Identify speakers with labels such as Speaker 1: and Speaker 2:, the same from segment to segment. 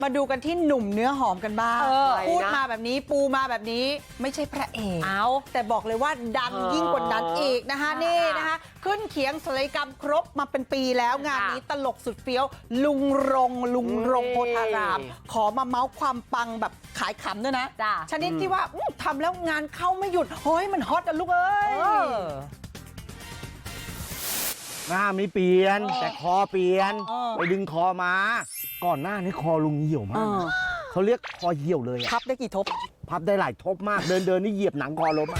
Speaker 1: มาดูกันที่หนุ่มเนื้อหอมกันบ้างพูดมาแบบนี้ปูมาแบบนี้ไม่ใช่พระเอกแต่บอกเลยว่าดังยิ่งกว่านั้นอีกนะคะนี่นะคะขึ้นเขียงศัลยกรรมครบมาเป็นปีแล้วงานนี้ตลกสุดเฟี้ยวลุงรงโพธารามขอมาเมาส์ความปังแบบขายขำด้วยนะชนิดที่ว่าทำแล้วงานเข้าไม่หยุดเฮ้ยมันฮอตอะลูกเอ้ย
Speaker 2: หน้าไม่เปลี่ยนแต่คอเปลี่ยนไปดึงคอมาก่อนหน้านี้คอลุงเหี่ยวมากเขาเรียกคอเหี่ยวเลย
Speaker 1: พับได้กี่ทบ
Speaker 2: พับได้หลายทบมากเดินนี่เหยียบหนังคอล้ม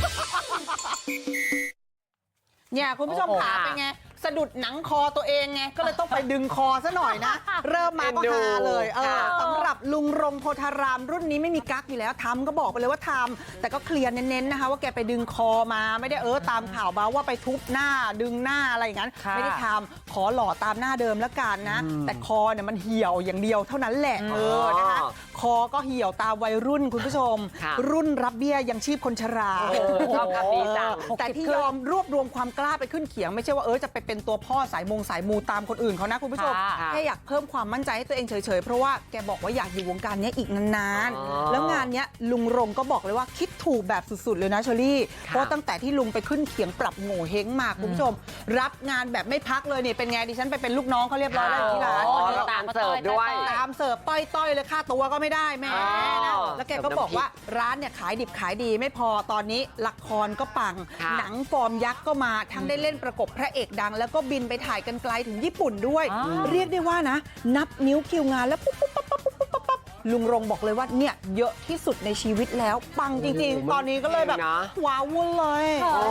Speaker 1: เนี่ยคุณผู้ชมขาเป็นไงสะดุดหนังคอตัวเองไงก็เลยต้องไปดึงคอซะหน่อยนะเริ่มมาก็ฮาเลยสำหรับลุงรงโพธารามรุ่นนี้ไม่มีกั๊กอยู่แล้วทำก็บอกไปเลยว่าทำแต่ก็เคลียร์เน้นๆนะคะว่าแกไปดึงคอมาไม่ได้ตามข่าวมาว่าไปทุบหน้าดึงหน้าอะไรอย่างนั้นไม่ได้ทำขอหล่อตามหน้าเดิมแล้วกันนะแต่คอเนี่ยมันเหี่ยวอย่างเดียวเท่านั้นแหละนะคะคอก็เหี่ยวตามวัยรุ่นคุณผู้ชมรุ่นรับเบี้ยยังชีพคนชราแต่ที่ยอมรวบรวมความกล้าไปขึ้นเขียงไม่ใช่ว่าจะไปเป็นตัวพ่อสายมูตามคนอื่นเขานะคุณผู้ชมแค่อยากเพิ่มความมั่นใจให้ตัวเองเฉยๆเพราะว่าแกบอกว่าอยากอยู่วงการนี้อีกนานๆแล้วงานนี้ลุงรงก็บอกเลยว่าคิดถูกแบบสุดๆเลยนะเชอรี่เพราะตั้งแต่ที่ลุงไปขึ้นเขียงปรับโง่เฮงมาคุณผู้ชมรับงานแบบไม่พักเลยเนี่ยเป็นไงดิฉันไปเป็นลูกน้องเขาเรียบร้อยแล้วที่ร้าน
Speaker 3: ตามเสิร์ฟด้วย
Speaker 1: ตามเสิร์ฟต้อยเลยค่าตัวก็ไม่ได้แม่นะแล้วแกก็บอกว่าร้านเนี่ยขายดิบขายดีไม่พอตอนนี้ละครก็ปังหนังฟอร์มยักษ์ก็มาทั้งได้เล่นประกบพระเอกดังแล้วก็บินไปถ่ายกันไกลถึงญี่ปุ่นด้วยเรียกได้ว่านะนับนิ้วคิวงานแล้วปุ๊บลุงรงบอกเลยว่าเนี่ยเยอะที่สุดในชีวิตแล้วปังจริงๆตอนนี้ก็เลยแบบว้าววุ่นเลย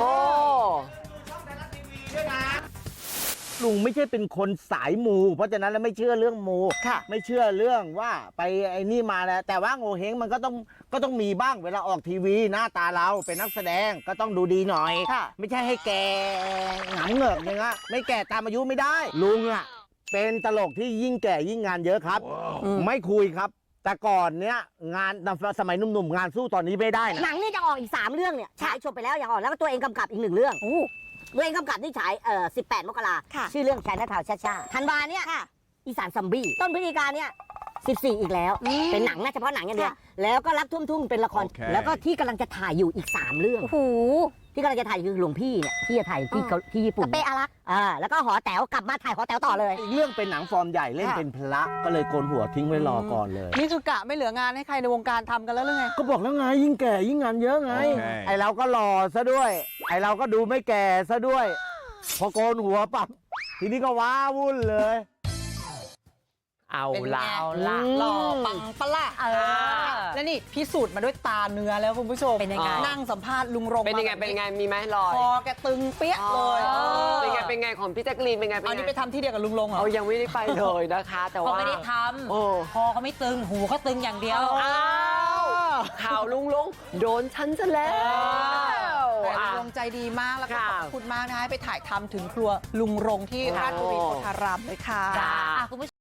Speaker 2: ลุงไม่ใช่เป็นคนสายมูเพราะฉะนั้นแล้วไม่เชื่อเรื่องมูไม่เชื่อเรื่องว่าไปไอ้นี่มาแล้วแต่ว่าโง่เฮงมันก็ต้องมีบ้างเวลาออกทีวีหน้าตาเราเป็นนักแสดงก็ต้องดูดีหน่อยไม่ใช่ให้แกหงายเหงือกอย่างเงี้ยไม่แก่ตามอายุไม่ได้ลุงอ่ะเป็นตลกที่ยิ่งแก่ยิ่งงานเยอะครับไม่คุยครับแต่ก่อนเนี้ยงานสมัยหนุ่มๆงานสู้ตอนนี้ไม่ได้นะ
Speaker 4: หนังนี่จะออกอีก3เรื่องเนี่ยฉายจบไปแล้วอย่างออกแล้วก็ตัวเองกำกับอีก1เรื่องตัวเองกำกับที่ฉาย18 มกราชื่อเรื่องแชนทาวชาธันวาเนี่ยอีสานซัมบี้ต้นพฤศจิกาเนี่ย14อีกแล้วเป็นหนังนะเฉพาะหนังอย่างเดียวแล้วก็รักทุ่งเป็นละครแล้วก็ที่กำลังจะถ่ายอยู่อีก3เรื่องที่กำลังจะถ่ายคือหลวงพี่เนี่ยที่จะถ่ายที่ญี่ปุ่น
Speaker 1: เปอารัก
Speaker 4: แล้วก็หอแต๋วกลับมาถ่ายหอแต๋วต่อเลย
Speaker 2: อีกเรื่องเป็นหนังฟอร์มใหญ่เล่นเป็นพระก็เลยโกนหัวทิ้งไว้รอก่อนเลย
Speaker 1: นี่คือกะไม่เหลืองานให้ใครในวงการทำกันแล้วหรือไง
Speaker 2: ก็บอกแล้วไงยิ่งแก่ยิ่งงานเยอะไงไอเราก็หล่อซะด้วยไอเราก็ดูไม่แก่ซะด้วยพอโกนหัวปั๊บทีนี้ก็ว้าวุ่นเลย
Speaker 3: เอาละ
Speaker 1: หล่อปังปะล่ะแล้วนี่พิสูจน์มาด้วยตาเนื้อแล้วคุณผู้ชม
Speaker 3: เป็นยังไง
Speaker 1: นั่งสัมภาษณ์ลุงรง
Speaker 3: เป็นยังไงมีไหมรอย
Speaker 1: คอแกตึงเปี้ยเลย
Speaker 3: เป็นไงของพี่แจ๊กรีนเป็นไง
Speaker 1: อันนี้ไปทำที่เดียวกับลุงรงเหรอ
Speaker 3: ยังไม่ได้ไปเลยนะคะแต่ว่า
Speaker 5: เขาไม่ได้ทำคอเขาไม่ตึงหูเขาตึงอย่างเดียว
Speaker 3: ข่าวลุงโดนฉันซะแล้ว
Speaker 1: แต่ลุงรงใจดีมากแล้วก็ขอบคุณมากนะให้ไปถ่ายทำถึงครัวลุงรงที่ราชบุรีโพธารามเลยค่ะ
Speaker 5: คุณผู้ชม